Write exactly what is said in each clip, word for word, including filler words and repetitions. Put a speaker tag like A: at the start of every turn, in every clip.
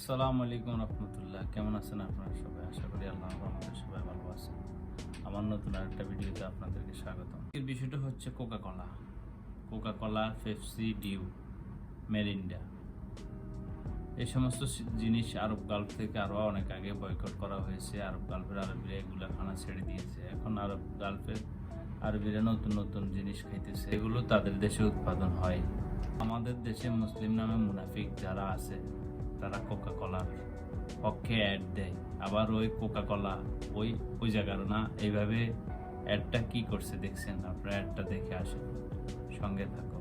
A: আসসালামু আলাইকুম রহমতুল্লাহ। কেমন আছেন আপনারা সবাই? আশা করি আল্লাহ আমাদের সবাই ভালো আছেন। আমার নতুন আরেকটা ভিডিওতে আপনাদেরকে স্বাগত। এর বিষয়টা হচ্ছে Coca Cola Coca Cola Pepsi, Dew, Mirinda, এই সমস্ত জিনিস আরব গালফ থেকে আরও অনেক আগে বয়কট করা হয়েছে। আরব গালফের আরবিরা এগুলো খানা ছেড়ে দিয়েছে। এখন আরব গালফের আরবিরা নতুন নতুন জিনিস খাইতেছে, এগুলো তাদের দেশে উৎপাদন হয়। আমাদের দেশে মুসলিম নামে মুনাফিক যারা আছে তারা কোকা কোলার পক্ষে অ্যাড দেয়, আবার ওই কোকা কোলা ওই ওই জায়গার না। এইভাবে অ্যাডটা কি করছে দেখছেন আপনারা? অ্যাডটা দেখে আসেন, সঙ্গে থাকো।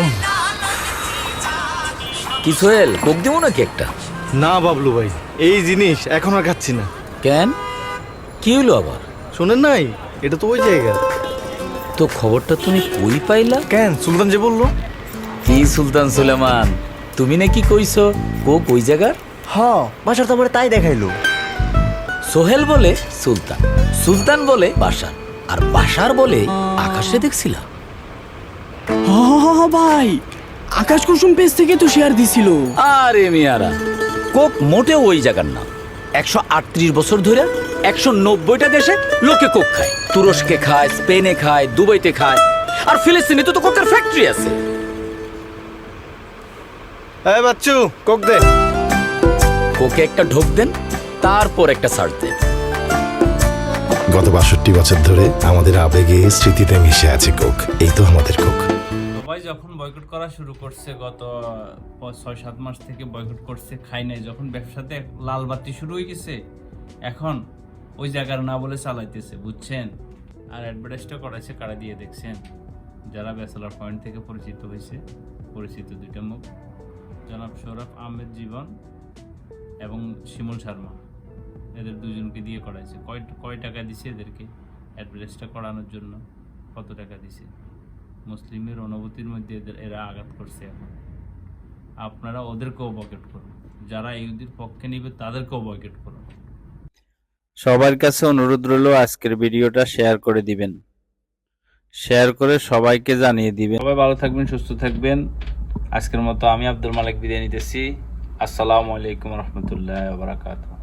B: কি সোহেল, কোক দেবো নাকি একটা?
C: না বাবলু ভাই, এই জিনিস এখন আর খাচ্ছি না।
B: কেন, কি হলো আবার?
C: শোনেন নাই, এটা তো ওই জায়গা।
B: তো খবরটা তুমি কই পাইলা?
C: কেন, সুলতান যে বললো।
B: কি সুলতান সুলেমান, তুমি নাকি কইছো কোক ওই জায়গার?
D: হ্যাঁ, বাসার তো আমার তাই দেখাইলো।
B: সোহেল বলে সুলতান, সুলতান বলে বাসার, আর বাসার বলে আকাশে দেখছিলাম।
E: হ্যাঁ ভাই, আকাশ কুসুম পেজ থেকে তো শেয়ার দিছিল।
B: আরে মিয়ারা, কোক মোটেও ওই জায়গার না। একশো আটত্রিশ বছর ধরে একশো নব্বইটা দেশে লোকে কোক খায়। তুরস্কে খায়, স্পেনে খায়, দুবাইতে খায়, আর ফিলিস্তিনে তো কোকের ফ্যাক্টরি আছে।
C: এই বাচ্চু, কোক দে।
B: কোকে একটা ঢোক দেন, তারপর একটা সার্চ দেন।
F: গত বাষট্টি বছর ধরে আমাদের আবেগে স্মৃতিতে মিশে আছে কোক। এই তো আমাদের কোক।
A: সবাই যখন বয়কট করা শুরু করছে, গত ছয় সাত মাস থেকে বয়কট করছে, খাই নাই। যখন ব্যবসাতে লাল বাতি শুরু হয়ে গেছে, এখন ওই জায়গার না বলে চালাইতেছে, বুঝছেন? আর অ্যাডভার্টাইজটা করাইছে কারা দিয়ে দেখছেন? যারা ব্যাচেলার পয়েন্ট থেকে পরিচিত হয়েছে, পরিচিত দুইটা মুখ, জনাব সৌরভ আহমেদ জীবন এবং শিমুল শর্মা, এদের দুজনকে দিয়ে করাইছে। কয় কয় টাকা দিছে এদেরকে অ্যাডভার্টাইজটা করানোর জন্য? কত টাকা দিছে? মুসলিমের অনুভূতির মধ্যে এদের এরা আঘাত করছে। এখন আপনারা ওদেরকেও বয়কট করুন, যারা ইহুদির পক্ষে নিবে তাদেরকেও বয়কট করুন। সবার কাছে অনুরোধ রইল আজকের ভিডিওটা শেয়ার করে দিবেন, শেয়ার করে সবাইকে জানিয়ে দিবেন। সবাই ভালো থাকবেন, সুস্থ থাকবেন। আজকের মতো আমি আব্দুল মালিক বিদায় নিতেছি। আসসালামু আলাইকুম রহমতুল্লাহ ওয়া বারাকাতুহু।